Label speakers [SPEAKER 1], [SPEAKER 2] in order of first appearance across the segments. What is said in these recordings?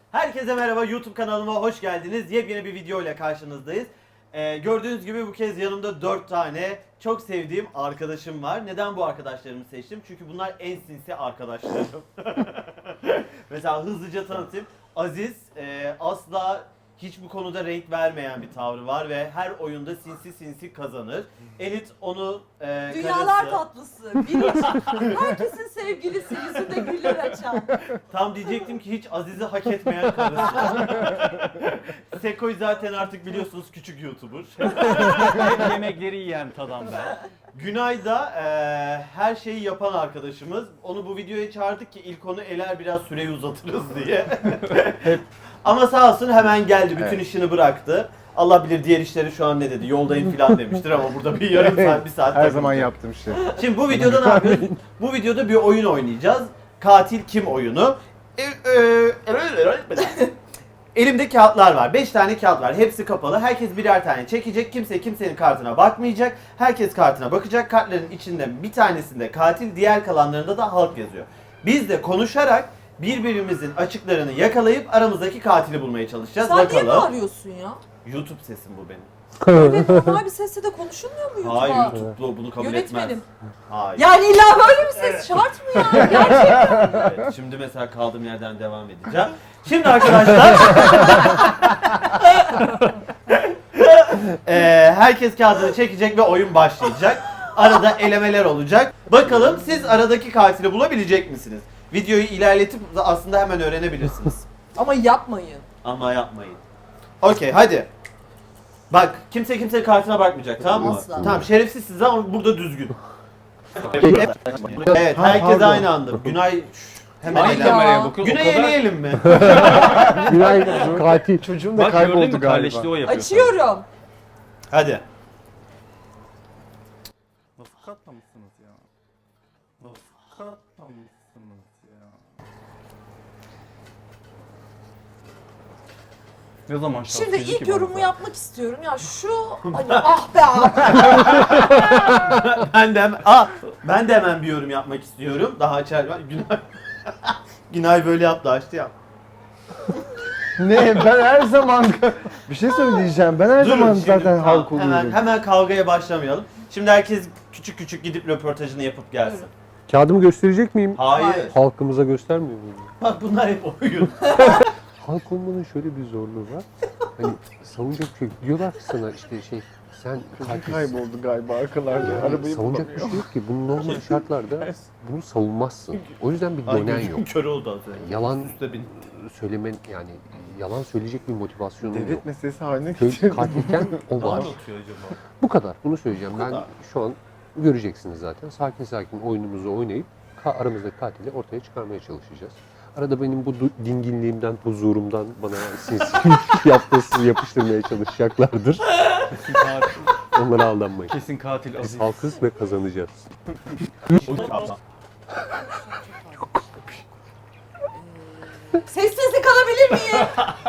[SPEAKER 1] Herkese merhaba, YouTube kanalıma hoş geldiniz. Yepyeni bir video ile karşınızdayız. Gördüğünüz gibi bu kez yanımda 4 tane çok sevdiğim arkadaşım var. Neden bu arkadaşlarımı seçtim? Çünkü bunlar en sinsi arkadaşlarım. Mesela hızlıca tanıtayım. Aziz asla hiç bu konuda renk vermeyen bir tavrı var ve her oyunda sinsi kazanır. Elit onu
[SPEAKER 2] Dünyalar
[SPEAKER 1] karısı...
[SPEAKER 2] tatlısı, biricik, herkesin sevgilisi, yüzünde güller açan.
[SPEAKER 1] Tam diyecektim ki hiç Aziz'i hak etmeyen karısı. Seko'yu zaten artık biliyorsunuz küçük YouTuber.
[SPEAKER 3] Hep yemekleri yiyen adam ben.
[SPEAKER 1] Günay da her şeyi yapan arkadaşımız. Onu bu videoya çağırdık ki ilk onu eler biraz süreyi uzatırız diye. Ama sağ olsun hemen geldi. Bütün işini bıraktı. Allah bilir diğer işleri şu an ne dedi. Yoldayım falan demiştir ama burada bir yarım saat, bir saat
[SPEAKER 4] Her zaman
[SPEAKER 1] takılacak.
[SPEAKER 4] yaptığım şey.
[SPEAKER 1] Şimdi bu videoda ne yapıyoruz? Bu videoda bir oyun oynayacağız. Katil kim oyunu. Elimde kağıtlar var. 5 tane kağıt var. Hepsi kapalı. Herkes birer tane çekecek. Kimse kimsenin kartına bakmayacak. Herkes kartına bakacak. Kartların içinde bir tanesinde katil, diğer kalanlarında da halk yazıyor. Biz de konuşarak birbirimizin açıklarını yakalayıp aramızdaki katili bulmaya çalışacağız.
[SPEAKER 2] Sen
[SPEAKER 1] Bakalım.
[SPEAKER 2] niye bağırıyorsun ya?
[SPEAKER 1] YouTube sesim bu benim.
[SPEAKER 2] Böyle normal bir sesle de konuşulmuyor mu YouTube'a?
[SPEAKER 1] Hayır, YouTube bunu kabul etmez.
[SPEAKER 2] Yönetmenim.
[SPEAKER 1] Hayır.
[SPEAKER 2] Yani illa böyle bir ses şart mı ya? Gerçekten.
[SPEAKER 1] Evet, şimdi mesela kaldığım yerden devam edeceğim. Şimdi arkadaşlar herkes kağıdını çekecek ve oyun başlayacak. Arada elemeler olacak. Bakalım siz aradaki katili bulabilecek misiniz? Videoyu ilerletip aslında hemen öğrenebilirsiniz.
[SPEAKER 2] Ama yapmayın.
[SPEAKER 1] Ama yapmayın. Okey, hadi. Bak, kimse kimsenin kartına bakmayacak, tamam mı?
[SPEAKER 2] Asla.
[SPEAKER 1] Tamam, şerefsizsiniz ama burada düzgün. Evet, herkes aynı anda. Günay hemen
[SPEAKER 3] Hangi
[SPEAKER 2] Ay
[SPEAKER 1] eğlen.
[SPEAKER 2] ya.
[SPEAKER 3] kameraya bakıyorsun?
[SPEAKER 1] Güney eleyelim mi?
[SPEAKER 4] Günay katil. Çocuğum da
[SPEAKER 3] Bak gördün
[SPEAKER 4] kayboldu
[SPEAKER 3] mü
[SPEAKER 4] galiba.
[SPEAKER 3] kardeşliği o yapıyor.
[SPEAKER 2] Açıyorum.
[SPEAKER 1] Hadi.
[SPEAKER 4] Nasıl katlamışsınız ya? Nasıl katlamışsınız ya?
[SPEAKER 3] Ne zaman
[SPEAKER 2] Şimdi
[SPEAKER 3] şarkıcı
[SPEAKER 2] ilk
[SPEAKER 3] ki
[SPEAKER 2] yorumu
[SPEAKER 3] bana?
[SPEAKER 2] yapmak istiyorum. Ya şu hani ah be ah.
[SPEAKER 1] Ben de hemen bir yorum yapmak istiyorum. Daha açar. Günay Günay böyle yaptı, açtı ya.
[SPEAKER 4] Ne? Ben her zaman bir şey söyleyeceğim. Ben her
[SPEAKER 1] Durun
[SPEAKER 4] zaman
[SPEAKER 1] şimdi,
[SPEAKER 4] zaten
[SPEAKER 1] tamam,
[SPEAKER 4] halk oluyorum.
[SPEAKER 1] hemen kavgaya başlamayalım. Şimdi herkes küçük küçük gidip röportajını yapıp gelsin.
[SPEAKER 5] Kağıdımı gösterecek miyim?
[SPEAKER 1] Hayır.
[SPEAKER 5] Halkımıza göstermiyor muyum?
[SPEAKER 1] Bak bunlar hep oyun.
[SPEAKER 5] Halk olmanın şöyle bir zorluğu var. Hani savunacak bir şey yok. Diyorlar ki sana işte sen katilsin.
[SPEAKER 4] Kayboldu galiba arkalarda. Arabayı
[SPEAKER 5] Savunacak bir
[SPEAKER 4] bulamıyor.
[SPEAKER 5] şey yok ki. Bunun normal şartlarda bunu savunmazsın. O yüzden bir
[SPEAKER 1] Ay,
[SPEAKER 5] dönen
[SPEAKER 1] gözüm
[SPEAKER 5] yok.
[SPEAKER 1] kör oldu az önce.
[SPEAKER 5] Yalan
[SPEAKER 1] Üste bin.
[SPEAKER 5] söylemen yani yalan söyleyecek bir motivasyonun yok.
[SPEAKER 4] Devlet meselesi haline
[SPEAKER 5] Köy
[SPEAKER 4] getirdim.
[SPEAKER 5] katilken o
[SPEAKER 1] Ne
[SPEAKER 5] var.
[SPEAKER 1] anlatıyor acaba?
[SPEAKER 5] Bu kadar. Bunu söyleyeceğim.
[SPEAKER 1] Bu
[SPEAKER 5] Ben
[SPEAKER 1] kadar.
[SPEAKER 5] şu an göreceksiniz zaten. Sakin sakin oyunumuzu oynayıp aramızdaki katili ortaya çıkarmaya çalışacağız. Arada benim bu dinginliğimden, huzurumdan bana sinsi yaptığı yapıştırmaya çalışacaklardır.
[SPEAKER 3] Kesin katil.
[SPEAKER 5] Onlara aldanmayın.
[SPEAKER 3] Kesin katil
[SPEAKER 5] Biz
[SPEAKER 3] Aziz.
[SPEAKER 5] halkız ve kazanacağız.
[SPEAKER 2] Sessizlik alabilir miyim?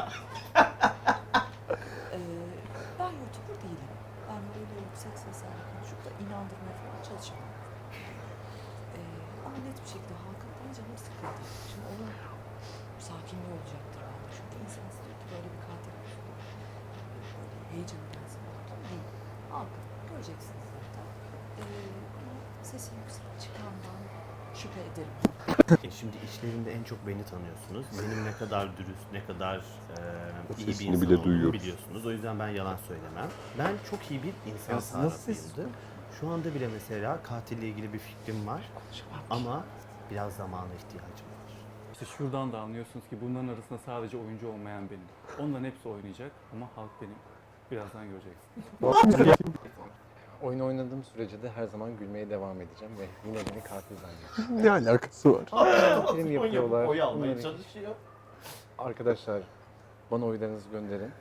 [SPEAKER 2] Ben YouTuber değilim. Ben böyle yüksek seslerle konuşup da inandırmaya falan çalışamam. Ama net bir şekilde halkın bana canım sıkıldı. Şimdi onun sakinliği olacaktır bende. Çünkü insan istiyor ki böyle bir katil olsun. Böyle heyecanı gelsin. Değil. Halkın göreceksiniz zaten. Ama sesi yüksek çıkandan şüphe ederim.
[SPEAKER 1] Şimdi içlerinde en çok beni tanıyorsunuz. Benim ne kadar dürüst, ne kadar iyi bir
[SPEAKER 5] Sesini
[SPEAKER 1] insan
[SPEAKER 5] bile
[SPEAKER 1] olduğumu
[SPEAKER 5] duyuyoruz.
[SPEAKER 1] biliyorsunuz. O yüzden ben yalan söylemem. Ben çok iyi bir insan
[SPEAKER 4] Ya siz nasıl
[SPEAKER 1] tarafıyımdır. Şu anda bile mesela katille ilgili bir fikrim var. Ama biraz zamana ihtiyacım var.
[SPEAKER 3] İşte şuradan da anlıyorsunuz ki bunların arasında sadece oyuncu olmayan benim. Onların hepsi oynayacak ama halk benim. Birazdan göreceksiniz.
[SPEAKER 6] Oyun oynadığım sürece de her zaman gülmeye devam edeceğim ve yine beni katil zannedeceğim.
[SPEAKER 5] Ne alakası var?
[SPEAKER 6] Film yapıyorlar.
[SPEAKER 1] Oy almaya
[SPEAKER 6] Bunları-
[SPEAKER 1] çalışıyor.
[SPEAKER 6] Arkadaşlar bana oylarınızı gönderin.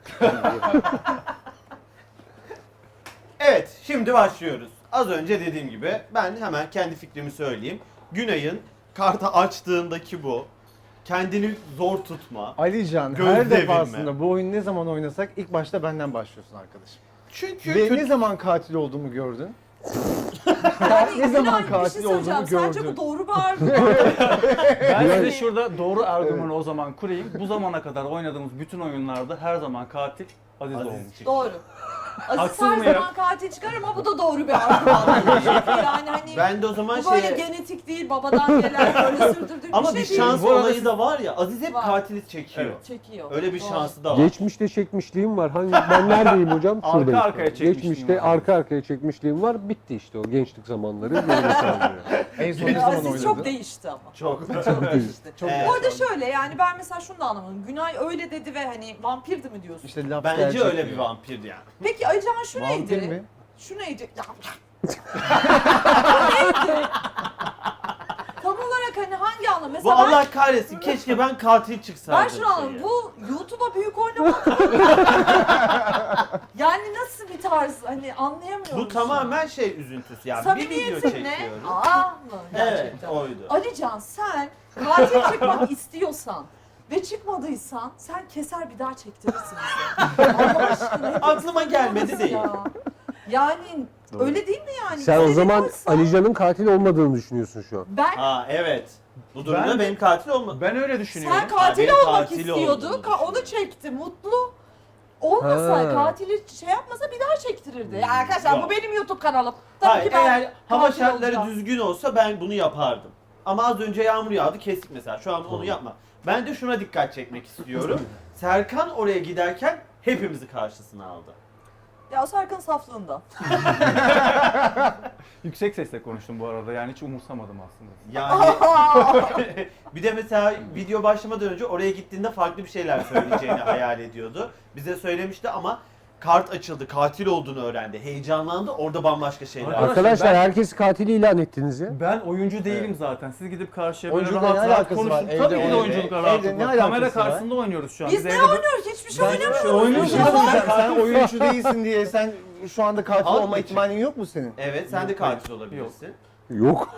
[SPEAKER 1] Evet, şimdi başlıyoruz. Az önce dediğim gibi ben hemen kendi fikrimi söyleyeyim. Günay'ın kartı açtığındaki bu. Kendini zor tutma.
[SPEAKER 4] Alican
[SPEAKER 1] Göz
[SPEAKER 4] her
[SPEAKER 1] devirme.
[SPEAKER 4] defasında bu oyunu ne zaman oynasak ilk başta benden başlıyorsun arkadaşım.
[SPEAKER 1] Çünkü
[SPEAKER 4] Ve
[SPEAKER 1] kötü...
[SPEAKER 4] ne zaman katil olduğumu gördün?
[SPEAKER 2] Yani
[SPEAKER 4] Ne zaman
[SPEAKER 2] Günay, bir
[SPEAKER 4] katil
[SPEAKER 2] şey söyleyeceğim.
[SPEAKER 4] olduğunu
[SPEAKER 2] Sence
[SPEAKER 4] gördün.
[SPEAKER 2] bu doğru bir argüman?
[SPEAKER 3] Ben size şurada doğru argümanı o zaman kurayım. Bu zamana kadar oynadığımız bütün oyunlarda her zaman katil Aziz
[SPEAKER 1] Aziz
[SPEAKER 3] olmuş.
[SPEAKER 1] çıktı.
[SPEAKER 2] Doğru. Aziz
[SPEAKER 3] Haksız
[SPEAKER 2] her
[SPEAKER 3] mıyım?
[SPEAKER 2] zaman katil çıkar ama bu da doğru bir argüman. Çünkü yani hani
[SPEAKER 1] Ben de o zaman
[SPEAKER 2] bu böyle
[SPEAKER 1] şey...
[SPEAKER 2] genetik değil, babadan gelen böyle sürdürdüğü
[SPEAKER 1] Ama
[SPEAKER 2] bir
[SPEAKER 1] bir
[SPEAKER 2] şey
[SPEAKER 1] şans
[SPEAKER 2] değil.
[SPEAKER 1] olayı da var ya. Aziz hep
[SPEAKER 2] Var.
[SPEAKER 1] katili çekiyor.
[SPEAKER 2] Çekiyor.
[SPEAKER 1] Öyle bir
[SPEAKER 2] Doğru.
[SPEAKER 1] şansı da var.
[SPEAKER 5] Geçmişte çekmişliğim var. Ben neredeyim hocam?
[SPEAKER 3] Arka
[SPEAKER 5] Şuradayım.
[SPEAKER 3] arkaya çekmişliğim
[SPEAKER 5] Geçmişte
[SPEAKER 3] var.
[SPEAKER 5] arka arkaya çekmişliğim var. Bitti işte o gençlik zamanları. Geride kaldı.
[SPEAKER 6] En son ne zaman
[SPEAKER 2] Aziz
[SPEAKER 6] oynadın?
[SPEAKER 2] çok değişti ama.
[SPEAKER 1] Çok.
[SPEAKER 2] Çok değişti.
[SPEAKER 1] Çok
[SPEAKER 2] Bu arada şöyle yani ben mesela şunu da anlamadım. Günay öyle dedi ve hani vampirdi mi diyorsun?
[SPEAKER 4] İşte laf
[SPEAKER 1] Bence
[SPEAKER 4] gerçek
[SPEAKER 1] öyle
[SPEAKER 4] diyor.
[SPEAKER 1] bir vampir yani.
[SPEAKER 2] Peki Alican şu
[SPEAKER 4] Vampir
[SPEAKER 2] neydi?
[SPEAKER 4] mi?
[SPEAKER 2] Şu neydi? Ya. Neydi? Tam olarak hani hangi anlam?
[SPEAKER 1] Bu
[SPEAKER 2] Mesela ben,
[SPEAKER 1] Allah kahretsin. Keşke ben katil çıksaydım.
[SPEAKER 2] ben şunu anladım.
[SPEAKER 1] şeye.
[SPEAKER 2] Bu YouTube'a büyük oynamak mı? Yani nasıl bir tarz hani anlayamıyorum.
[SPEAKER 1] Bu tamamen şey üzüntüsü yani. Bir video
[SPEAKER 2] Samimiyetin ne?
[SPEAKER 1] çekiyoruz.
[SPEAKER 2] Aa mı
[SPEAKER 1] Evet,
[SPEAKER 2] gerçekten?
[SPEAKER 1] oydu.
[SPEAKER 2] Alican sen katil çıkmak istiyorsan ve çıkmadıysan sen keser bir daha çektirirsin bize. Allah aşkına. hep
[SPEAKER 1] Aklıma gelmedi
[SPEAKER 2] nasıl
[SPEAKER 1] değil.
[SPEAKER 2] ya? Yani öyle değil mi yani?
[SPEAKER 5] Sen o
[SPEAKER 2] Bize
[SPEAKER 5] zaman
[SPEAKER 2] kalsa-
[SPEAKER 5] Alican'ın katil olmadığını düşünüyorsun şu an.
[SPEAKER 2] Ben
[SPEAKER 1] Ha evet. Bu durumda
[SPEAKER 3] Ben-
[SPEAKER 1] benim katil olma.
[SPEAKER 3] Ben öyle düşünüyorum.
[SPEAKER 2] sen katil
[SPEAKER 1] benim
[SPEAKER 2] olmak
[SPEAKER 1] katil
[SPEAKER 2] istiyordu.
[SPEAKER 1] olduğunu
[SPEAKER 2] Onu çekti. Mutlu. Olmasa
[SPEAKER 5] Ha.
[SPEAKER 2] katili şey yapmasa bir daha çektirirdi. Ya arkadaşlar
[SPEAKER 1] Yok.
[SPEAKER 2] bu benim YouTube kanalım. Tabii
[SPEAKER 1] Hayır,
[SPEAKER 2] ki ben
[SPEAKER 1] eğer hava
[SPEAKER 2] katil
[SPEAKER 1] şartları
[SPEAKER 2] olacağım.
[SPEAKER 1] düzgün olsa ben bunu yapardım. Ama az önce yağmur yağdı kestik mesela. Şu an onu yapma. Ben de şuna dikkat çekmek istiyorum. Serkan oraya giderken hepimizi karşısına aldı.
[SPEAKER 2] Ya o Serkan saflığında.
[SPEAKER 3] Yüksek sesle konuştum bu arada yani hiç umursamadım aslında.
[SPEAKER 1] Yani bir de mesela video başlamadan önce oraya gittiğinde farklı bir şeyler söyleyeceğini hayal ediyordu. Bize söylemişti ama kart açıldı, katil olduğunu öğrendi. Heyecanlandı, orada bambaşka şeyler.
[SPEAKER 3] Arkadaşlar,
[SPEAKER 5] Arkadaşlar
[SPEAKER 3] ben-
[SPEAKER 5] herkesi katili ilan ettiniz ya.
[SPEAKER 3] Ben oyuncu değilim zaten. Siz gidip karşıya böyle
[SPEAKER 4] Oyunculukla
[SPEAKER 3] rahat
[SPEAKER 4] ne
[SPEAKER 3] rahat
[SPEAKER 4] alakası
[SPEAKER 3] konuşun.
[SPEAKER 4] var?
[SPEAKER 3] Tabii
[SPEAKER 4] Evde
[SPEAKER 3] ki de oyunculuk
[SPEAKER 4] evde
[SPEAKER 3] rahatlıkla.
[SPEAKER 4] ne
[SPEAKER 3] Kamera
[SPEAKER 4] alakası var?
[SPEAKER 3] karşısında oynuyoruz şu an.
[SPEAKER 2] Biz ne
[SPEAKER 3] evde-
[SPEAKER 2] oynuyoruz? Hiçbir şey oynamıyoruz.
[SPEAKER 3] oynuyoruz.
[SPEAKER 2] Ya.
[SPEAKER 4] Sen oyuncu değilsin diye sen şu anda katil
[SPEAKER 1] Al
[SPEAKER 4] olma
[SPEAKER 1] için.
[SPEAKER 4] ihtimalin yok mu senin?
[SPEAKER 1] Evet, sen de katil olabilirsin.
[SPEAKER 5] Yok.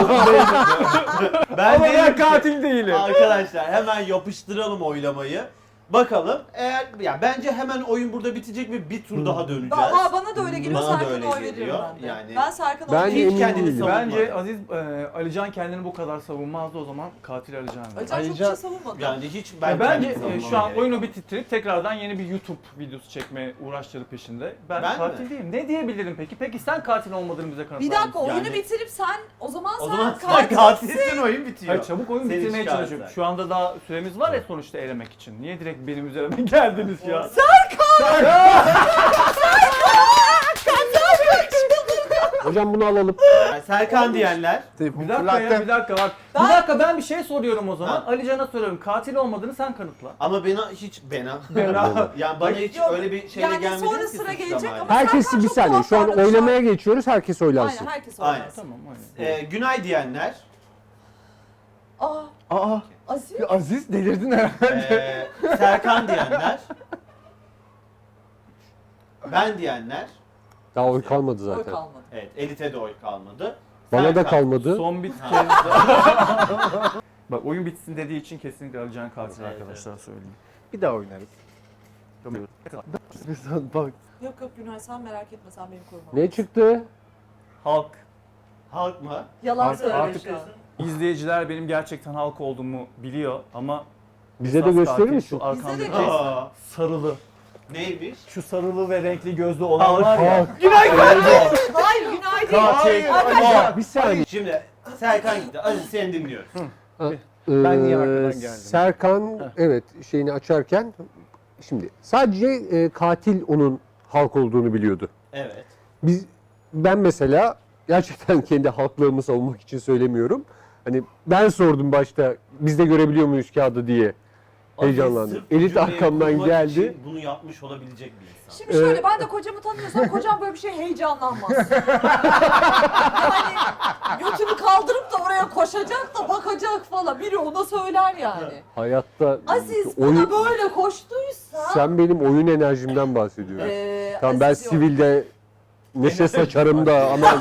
[SPEAKER 1] Ben
[SPEAKER 3] Ama
[SPEAKER 1] değilim
[SPEAKER 3] ben
[SPEAKER 1] ki.
[SPEAKER 3] katil değilim.
[SPEAKER 1] Arkadaşlar hemen yapıştıralım oylamayı. Bakalım eğer ya bence hemen oyun burada bitecek ve bir tur daha döneceğiz.
[SPEAKER 2] Bana da öyle geliyor.
[SPEAKER 1] Bana da
[SPEAKER 2] Serkan'a
[SPEAKER 1] öyle
[SPEAKER 2] oy veririm
[SPEAKER 1] geliyor.
[SPEAKER 2] ben de.
[SPEAKER 1] Yani-
[SPEAKER 2] Ben Serkan'a
[SPEAKER 5] Ben
[SPEAKER 2] oy veririm.
[SPEAKER 5] emin
[SPEAKER 1] kendini
[SPEAKER 5] değilim.
[SPEAKER 1] savunmadı.
[SPEAKER 3] Bence Aziz, Alican kendini bu kadar savunmazdı o zaman katil Alican.
[SPEAKER 2] Alican çok bir
[SPEAKER 4] Alican-
[SPEAKER 2] şey savunmadı.
[SPEAKER 1] Yani hiç
[SPEAKER 3] Ben
[SPEAKER 1] ben
[SPEAKER 3] bence
[SPEAKER 1] kendimi savunmama
[SPEAKER 3] şu an
[SPEAKER 1] gerek
[SPEAKER 3] oyunu
[SPEAKER 1] yok.
[SPEAKER 3] bitirip tekrardan yeni bir YouTube videosu çekme uğraşları peşinde. Ben
[SPEAKER 1] Ben
[SPEAKER 3] katil
[SPEAKER 1] mi?
[SPEAKER 3] değilim. Ne diyebilirim peki? Peki sen katil olmadığını bize kanıtlar
[SPEAKER 2] Bir dakika
[SPEAKER 3] mısın?
[SPEAKER 2] oyunu
[SPEAKER 1] Yani-
[SPEAKER 2] bitirip sen o zaman
[SPEAKER 1] O
[SPEAKER 2] sen
[SPEAKER 1] zaman sen
[SPEAKER 2] katilsin.
[SPEAKER 1] katilsin, oyun bitiyor.
[SPEAKER 3] Hayır çabuk oyun
[SPEAKER 1] Seni
[SPEAKER 3] bitirmeye
[SPEAKER 1] çıkarsak.
[SPEAKER 3] çalışıyorum. Şu anda daha süremiz var ya sonuçta elemek için. Niye direkt benim üzerime geldiniz ya?
[SPEAKER 5] Hocam bunu alalım.
[SPEAKER 1] Yani Serkan diyenler.
[SPEAKER 4] Telefonu
[SPEAKER 3] Bir dakika ya,
[SPEAKER 4] fırlattım.
[SPEAKER 3] bir dakika bak.
[SPEAKER 2] Ben-
[SPEAKER 3] Bir dakika ben bir şey soruyorum o zaman.
[SPEAKER 1] Ha.
[SPEAKER 3] Alican'a soruyorum. Katil olmadığını sen kanıtla.
[SPEAKER 1] Ama bana yani bana hiç
[SPEAKER 2] Yok,
[SPEAKER 1] öyle bir şeyle
[SPEAKER 2] yani
[SPEAKER 1] gelmedi
[SPEAKER 2] sonra
[SPEAKER 1] ki
[SPEAKER 2] sıra
[SPEAKER 1] suçlamayla.
[SPEAKER 2] gelecek ama-
[SPEAKER 5] Herkes
[SPEAKER 2] Serkan
[SPEAKER 5] bir
[SPEAKER 2] çok
[SPEAKER 5] saniye.
[SPEAKER 2] tuhaf
[SPEAKER 5] Şu an
[SPEAKER 2] davranışlar.
[SPEAKER 5] oylamaya geçiyoruz. Herkes oylansın.
[SPEAKER 2] Aynen herkes
[SPEAKER 1] Aynen.
[SPEAKER 2] oynar.
[SPEAKER 3] Tamam aynen.
[SPEAKER 1] Günay diyenler.
[SPEAKER 2] Aa
[SPEAKER 4] Aa,
[SPEAKER 2] Aziz.
[SPEAKER 4] Aziz delirdin herhalde.
[SPEAKER 1] Serkan diyenler. Ben diyenler.
[SPEAKER 5] Daha oy kalmadı
[SPEAKER 2] Oy
[SPEAKER 5] zaten.
[SPEAKER 2] kalmadı.
[SPEAKER 1] Evet, Elite de oy kalmadı.
[SPEAKER 5] Bana da
[SPEAKER 1] Serkan.
[SPEAKER 5] kalmadı.
[SPEAKER 3] Son bir kez Bak oyun bitsin dediği için kesinlikle Alican katil
[SPEAKER 1] Evet,
[SPEAKER 3] arkadaşlar söyleyeyim.
[SPEAKER 4] Bir daha oynarız. Bak.
[SPEAKER 2] Yok yok Günay sen merak etme sen beni koruma.
[SPEAKER 5] Ne çıktı?
[SPEAKER 3] Halk.
[SPEAKER 1] Halk mı?
[SPEAKER 2] Yalan
[SPEAKER 3] Artık-
[SPEAKER 2] söylüyor
[SPEAKER 3] artık-
[SPEAKER 2] şu an.
[SPEAKER 3] İzleyiciler benim gerçekten halk olduğumu biliyor ama
[SPEAKER 5] Bize de
[SPEAKER 3] esas
[SPEAKER 5] gösterir
[SPEAKER 3] katil
[SPEAKER 5] misin?
[SPEAKER 3] Şu
[SPEAKER 2] Bize de
[SPEAKER 3] arkamdaki
[SPEAKER 2] göster.
[SPEAKER 1] Aa,
[SPEAKER 3] sarılı.
[SPEAKER 1] neymiş?
[SPEAKER 3] Şu sarılı ve renkli gözlü olan var ya.
[SPEAKER 2] Hayır Günay değil.
[SPEAKER 4] Hayır,
[SPEAKER 2] Arkadaşlar
[SPEAKER 5] Bir saniye.
[SPEAKER 1] Şimdi Serkan gitti. Aziz seni dinliyoruz.
[SPEAKER 4] Ben niye arkadan geldim?
[SPEAKER 5] Serkan evet şeyini açarken şimdi sadece katil onun halk olduğunu biliyordu.
[SPEAKER 1] Evet.
[SPEAKER 5] Ben mesela gerçekten kendi halklığımı savunmak için söylemiyorum. Hani ben sordum başta biz de görebiliyor muyuz kağıdı diye. Heyecanlandım.
[SPEAKER 1] Aziz sırf bu
[SPEAKER 5] Elit
[SPEAKER 1] cümleyi
[SPEAKER 5] arkamdan
[SPEAKER 1] kurmak
[SPEAKER 5] geldi.
[SPEAKER 1] için bunu yapmış olabilecek bir insan.
[SPEAKER 2] şimdi şöyle ben de kocamı tanıyorsam kocam böyle bir şey heyecanlanmaz. Yani götünü kaldırıp da oraya koşacak da bakacak falan. Biri ona söyler yani.
[SPEAKER 5] Hayatta
[SPEAKER 2] Aziz
[SPEAKER 5] oyun,
[SPEAKER 2] bana böyle koştuysa
[SPEAKER 5] sen benim oyun enerjimden bahsediyorsun. Tamam ben
[SPEAKER 2] Aziz yok.
[SPEAKER 5] sivilde neşe saçarım da ama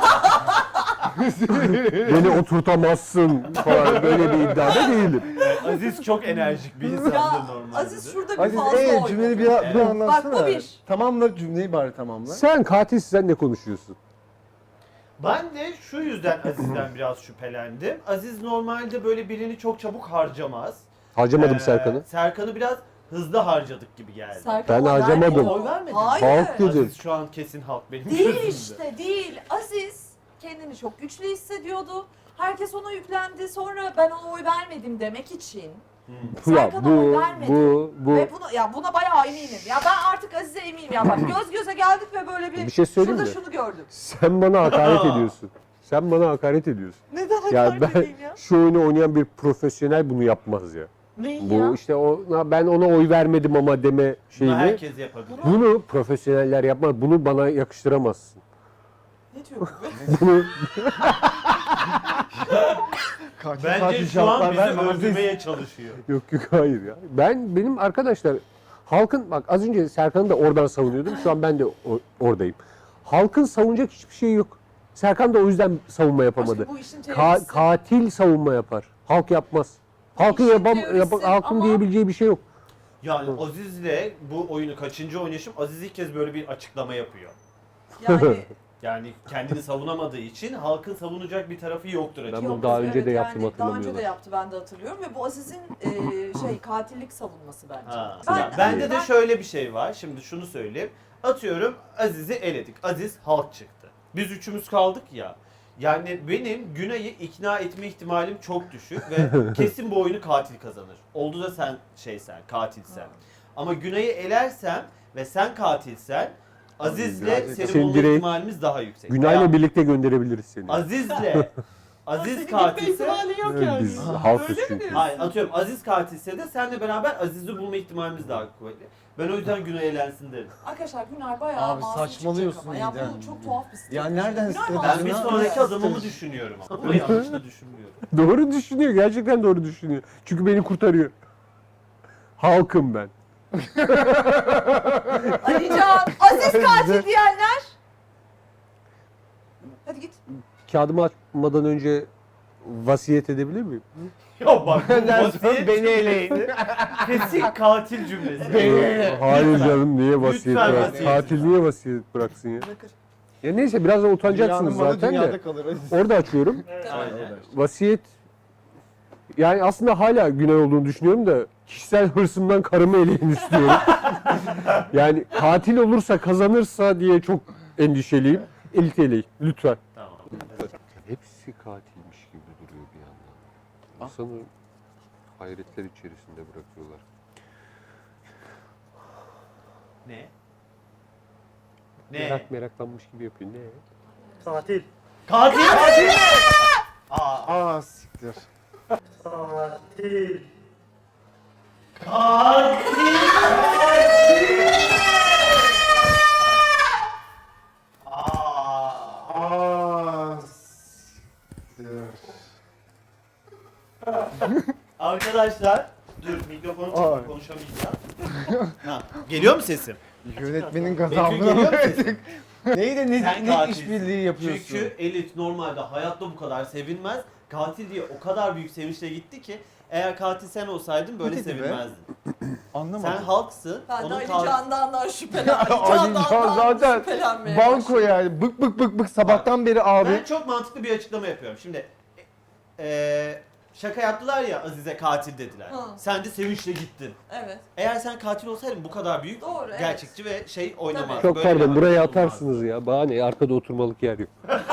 [SPEAKER 5] beni oturtamazsın falan böyle bir iddiada değilim.
[SPEAKER 1] Aziz çok enerjik bir insandır
[SPEAKER 2] Ya
[SPEAKER 1] normalde.
[SPEAKER 2] Aziz şurada bir
[SPEAKER 4] Aziz
[SPEAKER 2] fazla oynadı.
[SPEAKER 4] cümleni bir anlatsana.
[SPEAKER 2] Bak, bu bir.
[SPEAKER 4] Tamamla cümleyi bari tamamla.
[SPEAKER 5] Sen katilsin sen ne konuşuyorsun?
[SPEAKER 1] Ben de şu yüzden Aziz'den biraz şüphelendim. Aziz normalde böyle birini çok çabuk harcamaz.
[SPEAKER 5] Harcamadım Serkan'ı.
[SPEAKER 1] Serkan'ı biraz hızlı harcadık gibi geldi.
[SPEAKER 2] Serkan
[SPEAKER 5] Ben harcamadım.
[SPEAKER 1] Oy vermedin.
[SPEAKER 2] Hayır.
[SPEAKER 5] Halk dedi.
[SPEAKER 1] Aziz şu an kesin halk benim
[SPEAKER 2] Değil
[SPEAKER 1] gözümde.
[SPEAKER 2] işte değil. Aziz kendini çok güçlü hissediyordu. Herkes ona yüklendi. Sonra ben ona oy vermedim demek için.
[SPEAKER 5] Ya
[SPEAKER 2] Serkan'a oy
[SPEAKER 5] bu,
[SPEAKER 2] vermedim.
[SPEAKER 5] bu.
[SPEAKER 2] Ve buna bayağı eminim. Ya ben artık Aziz'e eminim ya. Bak göz göze geldik ve böyle
[SPEAKER 5] Bir şey söyleyeyim
[SPEAKER 2] şurada
[SPEAKER 5] mi?
[SPEAKER 2] şunu gördük.
[SPEAKER 5] Sen bana hakaret ediyorsun. Sen bana hakaret ediyorsun.
[SPEAKER 2] Neden
[SPEAKER 5] Ya
[SPEAKER 2] hakaret
[SPEAKER 5] ben
[SPEAKER 2] edeyim ya?
[SPEAKER 5] şu oyunu oynayan bir profesyonel bunu yapmaz ya.
[SPEAKER 2] Neyi
[SPEAKER 5] Bu
[SPEAKER 2] ya?
[SPEAKER 5] işte ben ona oy vermedim ama deme
[SPEAKER 1] Bunu
[SPEAKER 5] şeyini.
[SPEAKER 1] herkes yapabilir.
[SPEAKER 5] Bunu profesyoneller yapmaz. Bunu bana yakıştıramazsın.
[SPEAKER 2] Ne diyor bu?
[SPEAKER 5] Bunu
[SPEAKER 1] Bence şu an bizi öldürmeye çalışıyor.
[SPEAKER 5] yok hayır ya. Benim arkadaşlar halkın bak az önce Serkan'ı da oradan savunuyordum. Şu an ben de oradayım. Halkın savunacak hiçbir şey yok. Serkan da o yüzden savunma yapamadı.
[SPEAKER 2] Aşkım bu işin teorisi.
[SPEAKER 5] Katil savunma yapar. Halk yapmaz. Halkın
[SPEAKER 2] İşin teorisi
[SPEAKER 5] halkın
[SPEAKER 2] ama-
[SPEAKER 5] diyebileceği bir şey yok.
[SPEAKER 1] Yani Aziz'le bu oyunu kaçıncı oynayışım? Aziz ilk kez böyle bir açıklama yapıyor.
[SPEAKER 2] Yani
[SPEAKER 1] Yani kendini savunamadığı için halkın savunacak bir tarafı yoktur
[SPEAKER 5] Ben
[SPEAKER 1] açıkçası.
[SPEAKER 5] bunu daha önce de yaptım,
[SPEAKER 2] Daha önce de
[SPEAKER 5] hatırlamıyorlar.
[SPEAKER 2] yaptı ben de hatırlıyorum ve bu Aziz'in katillik savunması bence.
[SPEAKER 1] Ha.
[SPEAKER 2] Ben-
[SPEAKER 1] Ya bende de
[SPEAKER 2] ben-
[SPEAKER 1] şöyle bir şey var. Şimdi şunu söyleyeyim. Atıyorum Aziz'i eledik. Aziz halk çıktı. Biz üçümüz kaldık ya. Yani benim Günay'ı ikna etme ihtimalim çok düşük ve kesin bu oyunu katil kazanır. Oldu da sen katilsen. Ama Günay'ı elersem ve sen katilsen Aziz'le senin
[SPEAKER 5] Senin
[SPEAKER 1] bulma
[SPEAKER 5] direkt
[SPEAKER 1] ihtimalimiz daha yüksek.
[SPEAKER 5] Günay'la
[SPEAKER 1] Veya
[SPEAKER 5] birlikte gönderebiliriz seni.
[SPEAKER 1] Aziz'le Aziz
[SPEAKER 2] Senin
[SPEAKER 1] katilse
[SPEAKER 2] ihtimali yok
[SPEAKER 5] Evet,
[SPEAKER 2] yani.
[SPEAKER 5] biz halkız
[SPEAKER 2] Öyle mi
[SPEAKER 5] çünkü.
[SPEAKER 2] diyorsun?
[SPEAKER 1] hayır atıyorum Aziz katilse de senle beraber Aziz'i bulma ihtimalimiz daha kuvvetli. Ben o yüzden Günay eğlensin derim.
[SPEAKER 2] Arkadaşlar Günay bayağı
[SPEAKER 6] Abi
[SPEAKER 2] masum
[SPEAKER 6] saçmalıyorsun
[SPEAKER 2] çıkacak ama. Ya
[SPEAKER 6] Nida.
[SPEAKER 2] bu çok tuhaf bir strateji.
[SPEAKER 6] Ya nereden
[SPEAKER 2] Günay
[SPEAKER 6] strateji?
[SPEAKER 2] masum
[SPEAKER 1] Ben bir
[SPEAKER 6] Ne
[SPEAKER 1] sonraki
[SPEAKER 6] yapıyorsun?
[SPEAKER 1] adımımı düşünüyorum ama yanlış da düşünmüyorum.
[SPEAKER 5] Doğru düşünüyor. Gerçekten doğru düşünüyor. Çünkü beni kurtarıyor. Halkım ben.
[SPEAKER 2] Alican, Aziz katil diyenler. Hadi git.
[SPEAKER 5] Kağıdımı açmadan önce vasiyet edebilir miyim?
[SPEAKER 1] Ya bak bu
[SPEAKER 4] Ondan sonra
[SPEAKER 1] vasiyet
[SPEAKER 4] beni eleyin.
[SPEAKER 1] kesin katil cümlesi.
[SPEAKER 5] Hayır canım niye vasiyet
[SPEAKER 1] Lütfen
[SPEAKER 5] bırak?
[SPEAKER 1] vasiyet.
[SPEAKER 5] Katil niye vasiyet bıraksın ya?
[SPEAKER 2] Bırakır.
[SPEAKER 5] Ya neyse birazdan utanacaksınız
[SPEAKER 4] Dünyanın malı
[SPEAKER 5] zaten de.
[SPEAKER 4] dünyada kalır.
[SPEAKER 5] Orada açıyorum.
[SPEAKER 1] Aynen.
[SPEAKER 5] Vasiyet yani aslında hala günah olduğunu düşünüyorum da kişisel hırsımdan karımı eleyin istiyorum. Yani katil olursa kazanırsa diye çok endişeliyim. Elit eleyin lütfen.
[SPEAKER 1] Tamam.
[SPEAKER 5] Hepsi katilmiş gibi duruyor bir yandan. İnsanı hayretler içerisinde bırakıyorlar.
[SPEAKER 1] Ne?
[SPEAKER 5] Meraklanmış gibi yapıyor. Ne?
[SPEAKER 4] Tatil.
[SPEAKER 1] Katil! Katil! Aa,
[SPEAKER 4] Aa siktir.
[SPEAKER 1] katil! Aa,
[SPEAKER 4] Aa siktir.
[SPEAKER 1] arkadaşlar, dur mikrofonu
[SPEAKER 4] Ay.
[SPEAKER 1] çıkıp konuşamayacağım. Ha, geliyor mu sesim?
[SPEAKER 4] Yönetmenin
[SPEAKER 1] Betül
[SPEAKER 4] gazabına
[SPEAKER 1] geliyor mu
[SPEAKER 4] uğradık.
[SPEAKER 1] sesim?
[SPEAKER 4] Neydi
[SPEAKER 1] Sen
[SPEAKER 4] ne
[SPEAKER 1] katilsin.
[SPEAKER 4] işbirliği yapıyorsun?
[SPEAKER 1] Çünkü Elit normalde hayatta bu kadar sevinmez. Katil diye o kadar büyük sevinçle gitti ki eğer katil sen olsaydın böyle
[SPEAKER 4] Ne dedi be?
[SPEAKER 1] sevinmezdin.
[SPEAKER 4] Anlamadım.
[SPEAKER 1] Sen halksın.
[SPEAKER 2] Ben de
[SPEAKER 1] onun
[SPEAKER 2] Ali
[SPEAKER 1] katil...
[SPEAKER 2] Can'dan şüphelen.
[SPEAKER 4] Ali
[SPEAKER 2] Ali
[SPEAKER 4] Can
[SPEAKER 2] Can'dan
[SPEAKER 4] zaten
[SPEAKER 2] şüphelenmeye
[SPEAKER 4] Banko
[SPEAKER 2] başladım.
[SPEAKER 4] yani bık bık sabahtan beri abi.
[SPEAKER 1] Ben çok mantıklı bir açıklama yapıyorum. Şimdi şaka yaptılar ya Aziz'e katil dediler.
[SPEAKER 2] Hı.
[SPEAKER 1] Sen de sevinçle gittin.
[SPEAKER 2] Evet.
[SPEAKER 1] Eğer sen katil olsaydın bu kadar büyük
[SPEAKER 2] Doğru, evet.
[SPEAKER 1] gerçekçi ve şey oynamazdın.
[SPEAKER 5] Çok
[SPEAKER 1] Böyle bir
[SPEAKER 5] pardon buraya
[SPEAKER 1] hareket olmazdı.
[SPEAKER 5] atarsınız ya. Bana ne? Arkada oturmalık yer yok.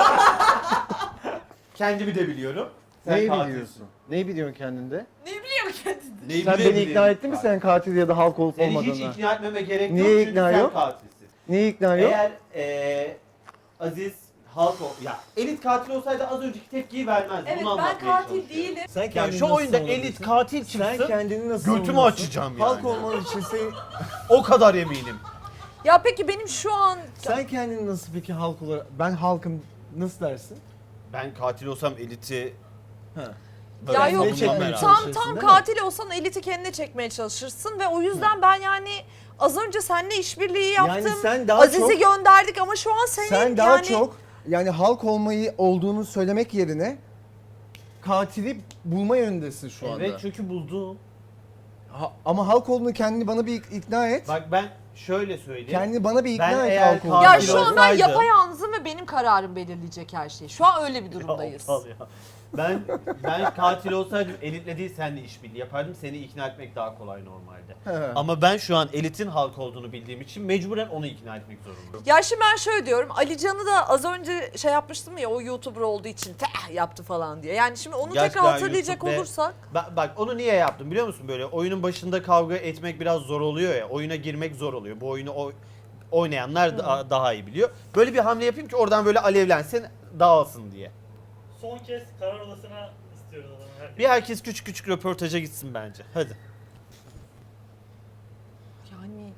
[SPEAKER 1] Kendimi de biliyorum. Sen
[SPEAKER 4] Neyi
[SPEAKER 1] katilsin.
[SPEAKER 4] biliyorsun? Neyi biliyorsun kendinde?
[SPEAKER 2] Ne biliyor kendini?
[SPEAKER 1] Neyi
[SPEAKER 4] Sen beni
[SPEAKER 1] bilebilirim?
[SPEAKER 4] ikna ettin mi sen katil ya da halk olup
[SPEAKER 1] Seni
[SPEAKER 4] olmadığına?
[SPEAKER 1] hiç ikna etmeme gerek
[SPEAKER 4] Niye
[SPEAKER 1] yok çünkü
[SPEAKER 4] ikna
[SPEAKER 1] sen
[SPEAKER 4] yok?
[SPEAKER 1] katilsin.
[SPEAKER 4] Niye ikna yok?
[SPEAKER 1] Eğer Aziz halk ya elit katil olsaydı az önceki tepkiyi vermezdi.
[SPEAKER 2] Evet
[SPEAKER 1] Bunu
[SPEAKER 2] ben
[SPEAKER 1] anlatmaya
[SPEAKER 2] katil
[SPEAKER 1] çalışıyorum.
[SPEAKER 2] değilim.
[SPEAKER 4] Sen
[SPEAKER 1] Ya şu oyunda elit katil çıksın.
[SPEAKER 4] Sen kendini nasıl
[SPEAKER 1] götümü
[SPEAKER 4] savunuyorsun?
[SPEAKER 1] açacağım
[SPEAKER 4] Halk
[SPEAKER 1] yani.
[SPEAKER 4] olman için
[SPEAKER 1] O kadar eminim.
[SPEAKER 2] Ya peki benim şu an...
[SPEAKER 4] sen kendini nasıl peki halk olarak ben halkım nasıl dersin?
[SPEAKER 1] Ben katil olsam eliti
[SPEAKER 4] Ha.
[SPEAKER 1] böyle
[SPEAKER 2] Ya yok
[SPEAKER 1] savunmam herhalde.
[SPEAKER 2] tam
[SPEAKER 4] Çalışırsın, değil mi?
[SPEAKER 2] katil olsan eliti kendine çekmeye çalışırsın ve o yüzden ben yani az önce seninle işbirliği yaptım.
[SPEAKER 7] Yani sen daha
[SPEAKER 2] Aziz'i
[SPEAKER 7] çok
[SPEAKER 2] gönderdik ama şu an senin
[SPEAKER 7] sen daha
[SPEAKER 2] yani
[SPEAKER 7] çok yani halk olmayı olduğunu söylemek yerine katili bulma yönündesin şu anda.
[SPEAKER 1] Evet çünkü buldum.
[SPEAKER 7] Ama halk olduğunu kendini bana bir ikna et.
[SPEAKER 1] Bak ben şöyle söyleyeyim.
[SPEAKER 7] Kendini bana bir ikna
[SPEAKER 1] Ben
[SPEAKER 7] et
[SPEAKER 1] eğer
[SPEAKER 7] Halk
[SPEAKER 1] katil
[SPEAKER 2] Ya
[SPEAKER 7] olduğunu.
[SPEAKER 2] şu an ben
[SPEAKER 1] olsaydı-
[SPEAKER 2] yapayalnızım ve benim kararım belirleyecek her şeyi. Şu an öyle bir durumdayız.
[SPEAKER 1] Aptal ya. Ben katil olsaydım Elit'le değil seninle işbirliği yapardım. Seni ikna etmek daha kolay normalde.
[SPEAKER 7] He.
[SPEAKER 1] Ama ben şu an Elit'in Hulk olduğunu bildiğim için mecburen onu ikna etmek zorundayım.
[SPEAKER 2] Ya şimdi ben şöyle diyorum. Ali Can'ı da az önce şey yapmıştım ya, o YouTuber olduğu için yaptı falan diye. Yani şimdi onu
[SPEAKER 1] Gerçekten
[SPEAKER 2] tekrar hatırlayacak
[SPEAKER 1] YouTube ve-
[SPEAKER 2] olursak.
[SPEAKER 1] Bak onu niye yaptım biliyor musun? Böyle oyunun başında kavga etmek biraz zor oluyor ya. Oyuna girmek zor oluyor. Bu oyunu oynayanlar daha iyi biliyor. Böyle bir hamle yapayım ki oradan böyle alevlensin, dağılsın diye.
[SPEAKER 8] Son kez karar odasına istiyoruz adamı. Herkes.
[SPEAKER 1] Bir herkes küçük küçük röportaja gitsin bence. Hadi.
[SPEAKER 2] Yani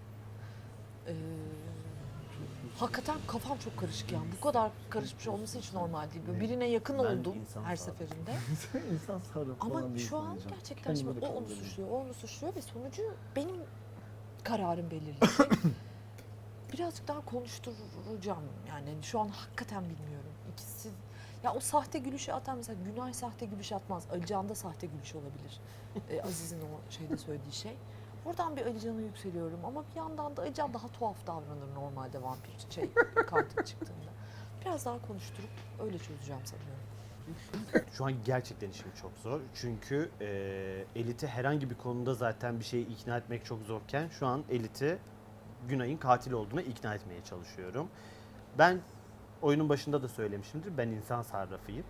[SPEAKER 2] hakikaten kafam çok karışık yani. Bu kadar karışmış olması hiç normal değil. Böyle birine yakın
[SPEAKER 1] Ben
[SPEAKER 2] oldum
[SPEAKER 1] insan
[SPEAKER 2] her
[SPEAKER 1] sağ-
[SPEAKER 2] seferinde.
[SPEAKER 7] İnsan sarı
[SPEAKER 2] Ama
[SPEAKER 7] falan değil
[SPEAKER 2] şu an
[SPEAKER 7] sanacağım.
[SPEAKER 2] gerçekten
[SPEAKER 7] Kendimi
[SPEAKER 2] şimdi
[SPEAKER 7] de
[SPEAKER 2] o onu
[SPEAKER 7] kandırıyorum.
[SPEAKER 2] suçluyor, o onu suçluyor ve sonucu benim kararım belirleyecek. Birazcık daha konuşturacağım yani. Şu an hakikaten bilmiyorum. İkisi ya o sahte gülüşü atan mesela Günay sahte gülüş atmaz. Ali da sahte gülüş olabilir. Aziz'in o şeyde söylediği şey. Oradan bir Ali Can'a yükseliyorum ama bir yandan da Ali Can daha tuhaf davranır normalde vampir katil çıktığında. Biraz daha konuşturup öyle çözeceğim sanıyorum.
[SPEAKER 1] Şu an gerçekten işim çok zor. Çünkü Elit'i herhangi bir konuda zaten bir şeyi ikna etmek çok zorken şu an Elit'i Günay'ın katil olduğuna ikna etmeye çalışıyorum. Ben oyunun başında da söylemişimdir. Ben insan sarrafıyım.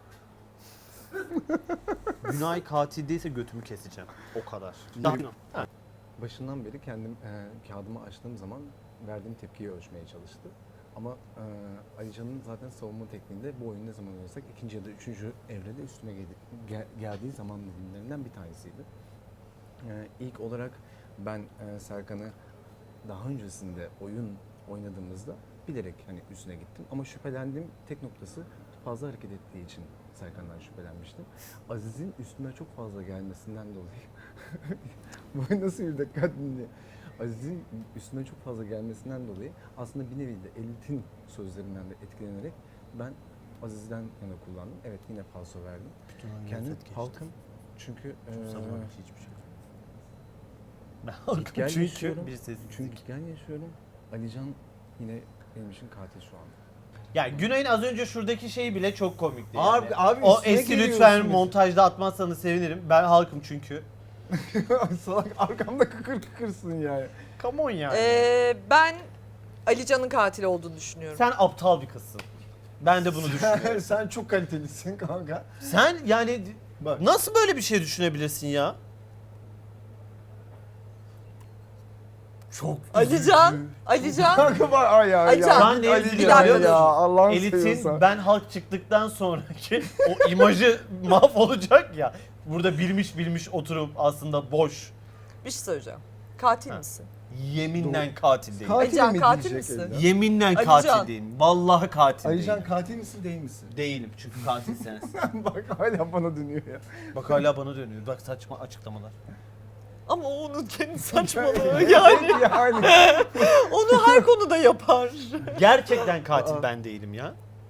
[SPEAKER 1] Günay katil değilse götümü keseceğim. O kadar. Ha.
[SPEAKER 6] Başından beri kendim kağıdımı açtığım zaman verdiğim tepkiyi ölçmeye çalıştı. Ama Ali Can'ın zaten savunma tekniğinde bu oyunu ne zaman oynasak ikinci ya da üçüncü evrede üstüme geldiği zaman dilimlerinden bir tanesiydi. İlk olarak ben Serkan'ı daha öncesinde oyun oynadığımızda bilerek hani üstüne gittim. Ama şüphelendiğim tek noktası fazla hareket ettiği için Serkan'dan şüphelenmiştim. Aziz'in üstüne çok fazla gelmesinden dolayı bu nasıl bir dikkat dinle. Aziz'in üstüne çok fazla gelmesinden dolayı aslında bir nevi de Elit'in sözlerinden de etkilenerek ben Aziz'den yana kullandım. Evet yine falso verdim. Kendim halkım çünkü
[SPEAKER 1] hiçbir şey. Ben
[SPEAKER 6] gitgel
[SPEAKER 1] çünkü
[SPEAKER 6] yaşıyorum.
[SPEAKER 1] bir sessizlik.
[SPEAKER 6] Çünkü gitgel yaşıyorum. Alican yine benim için katil şu an.
[SPEAKER 1] Ya Günay'ın az önce şuradaki şey bile çok komikti
[SPEAKER 7] Abi-
[SPEAKER 1] yani.
[SPEAKER 7] abi
[SPEAKER 1] o
[SPEAKER 7] üstüne
[SPEAKER 1] eski lütfen
[SPEAKER 7] geliyorsunuz.
[SPEAKER 1] montajda atmazsanız sevinirim. Ben halkım çünkü.
[SPEAKER 7] Salak arkamda kıkır kıkırsın yani.
[SPEAKER 1] Come on yani.
[SPEAKER 2] Ben Ali Can'ın katil olduğunu düşünüyorum.
[SPEAKER 1] Sen aptal bir kızsın. Ben de bunu düşünüyorum.
[SPEAKER 7] Sen çok kalitelisin kanka.
[SPEAKER 1] Sen yani
[SPEAKER 7] Bak.
[SPEAKER 1] nasıl böyle bir şey düşünebilirsin ya? Çok
[SPEAKER 2] Ali Can
[SPEAKER 7] Kanka bak ay ya.
[SPEAKER 2] Ay
[SPEAKER 7] ya.
[SPEAKER 2] Can,
[SPEAKER 1] Ben neye
[SPEAKER 7] Ali
[SPEAKER 1] üzülüyorum
[SPEAKER 7] Can
[SPEAKER 1] biliyor
[SPEAKER 7] ya
[SPEAKER 1] musun?
[SPEAKER 7] Allah'ını
[SPEAKER 1] Elit'in
[SPEAKER 7] seviyorsan.
[SPEAKER 1] ben halk çıktıktan sonraki o imajı mahvolacak ya. Burada bilmiş oturup aslında boş.
[SPEAKER 2] bir şey söyleyeceğim. Katil
[SPEAKER 1] Ha.
[SPEAKER 2] misin?
[SPEAKER 1] Yeminle katil değilim.
[SPEAKER 7] Katil
[SPEAKER 2] Ali Can,
[SPEAKER 7] mi
[SPEAKER 2] katil
[SPEAKER 7] diyecek
[SPEAKER 2] misin?
[SPEAKER 7] Alican?
[SPEAKER 1] Yeminle
[SPEAKER 2] Ali
[SPEAKER 1] katil
[SPEAKER 2] Can.
[SPEAKER 1] değilim. Vallahi katil
[SPEAKER 7] Alican
[SPEAKER 1] değilim.
[SPEAKER 7] katil misin değil misin?
[SPEAKER 1] Değilim çünkü katil sensin.
[SPEAKER 7] Bak hala bana dönüyor ya.
[SPEAKER 1] Bak hala bana dönüyor. Bak saçma açıklamalar.
[SPEAKER 2] Ama o onun kendi saçmalığı yani.
[SPEAKER 7] yani.
[SPEAKER 2] Onu her konuda yapar.
[SPEAKER 1] Gerçekten katil ben değilim ya.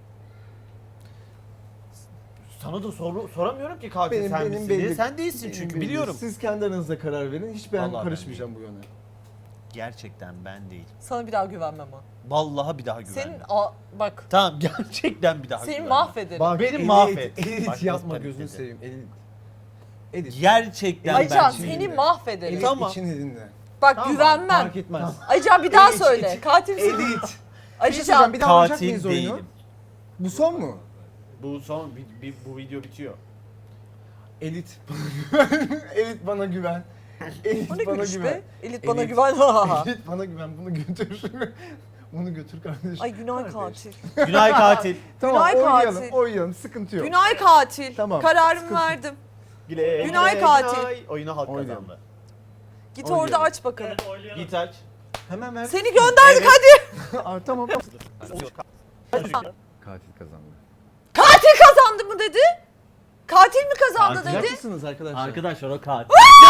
[SPEAKER 1] Sana da soramıyorum ki katil sen misin diye. Sen değilsin çünkü
[SPEAKER 7] Benim
[SPEAKER 1] biliyorum.
[SPEAKER 7] belli. Siz kendi aranızda karar verin. Hiç ben
[SPEAKER 1] Vallahi ben
[SPEAKER 7] karışmayacağım bu yana.
[SPEAKER 1] Gerçekten ben değil.
[SPEAKER 2] Sana bir daha güvenmem ha.
[SPEAKER 1] Vallahi bir daha güvenmem.
[SPEAKER 2] Senin bak
[SPEAKER 1] Tamam gerçekten bir daha
[SPEAKER 2] seni
[SPEAKER 1] güvenmem.
[SPEAKER 2] mahvederim.
[SPEAKER 7] Bak
[SPEAKER 1] Beni
[SPEAKER 7] Elit,
[SPEAKER 1] mahvet.
[SPEAKER 7] Elit
[SPEAKER 1] Bak,
[SPEAKER 7] yapma
[SPEAKER 1] nasıl
[SPEAKER 7] gözünü
[SPEAKER 1] panikledi.
[SPEAKER 7] seveyim. Elit.
[SPEAKER 1] Gerçekten
[SPEAKER 2] Aycan
[SPEAKER 1] ben
[SPEAKER 2] seni
[SPEAKER 1] değilim.
[SPEAKER 2] mahvederim.
[SPEAKER 7] Elit
[SPEAKER 1] Tamam.
[SPEAKER 7] için dinle.
[SPEAKER 2] Bak
[SPEAKER 1] Tamam,
[SPEAKER 2] güvenmem.
[SPEAKER 7] Fark etmez.
[SPEAKER 2] Aycan bir daha
[SPEAKER 7] Elit,
[SPEAKER 2] söyle.
[SPEAKER 7] elit.
[SPEAKER 2] Katil misin?
[SPEAKER 7] Elit. Bir şey
[SPEAKER 2] Alican.
[SPEAKER 7] söyleyeceğim, bir daha oynayacak
[SPEAKER 1] Katil
[SPEAKER 7] mıyız oyunu?
[SPEAKER 1] değilim.
[SPEAKER 7] Bu son mu?
[SPEAKER 1] Bu son bu video bitiyor.
[SPEAKER 7] Elit. Elit bana güven. Elit
[SPEAKER 2] O ne
[SPEAKER 7] bana
[SPEAKER 2] gülüş
[SPEAKER 7] güven.
[SPEAKER 2] be? Elit bana
[SPEAKER 7] Elit.
[SPEAKER 2] güven.
[SPEAKER 7] Elit bana güven. Bunu götür. Bunu götür kardeşim.
[SPEAKER 2] Ay Günay
[SPEAKER 7] Kardeş.
[SPEAKER 2] katil.
[SPEAKER 1] Günay katil.
[SPEAKER 7] Tamam
[SPEAKER 2] Günay
[SPEAKER 7] oynayalım.
[SPEAKER 2] katil.
[SPEAKER 7] Oynayalım. Sıkıntı yok.
[SPEAKER 2] Günay katil.
[SPEAKER 7] Tamam,
[SPEAKER 2] Kararımı
[SPEAKER 7] sıkıntı-
[SPEAKER 2] verdim.
[SPEAKER 1] Güle,
[SPEAKER 2] Günay
[SPEAKER 1] güle,
[SPEAKER 2] katil.
[SPEAKER 1] Günay. Oyunu halk
[SPEAKER 7] Oynayalım.
[SPEAKER 1] kazandı.
[SPEAKER 2] Git
[SPEAKER 7] Oynayalım.
[SPEAKER 2] orada aç bakalım.
[SPEAKER 8] Evet, oylayalım.
[SPEAKER 1] Git aç.
[SPEAKER 7] Hemen ver.
[SPEAKER 2] Seni gönderdik hadi.
[SPEAKER 7] Aa, tamam.
[SPEAKER 6] Katil kazandı.
[SPEAKER 2] Katil kazandı mı dedi? Katil mi kazandı
[SPEAKER 1] Katil.
[SPEAKER 2] dedi?
[SPEAKER 7] Mısınız arkadaşlar?
[SPEAKER 1] Arkadaşlar o katil.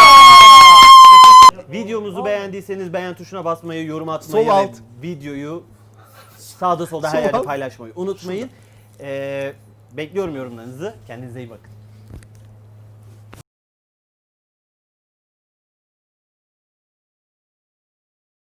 [SPEAKER 1] Videomuzu beğendiyseniz beğen tuşuna basmayı, yorum atmayı
[SPEAKER 7] Sol
[SPEAKER 1] ve
[SPEAKER 7] alt.
[SPEAKER 1] videoyu sağda solda her
[SPEAKER 7] Sol
[SPEAKER 1] yerde
[SPEAKER 7] alt.
[SPEAKER 1] paylaşmayı unutmayın. Bekliyorum yorumlarınızı. Kendinize iyi bakın.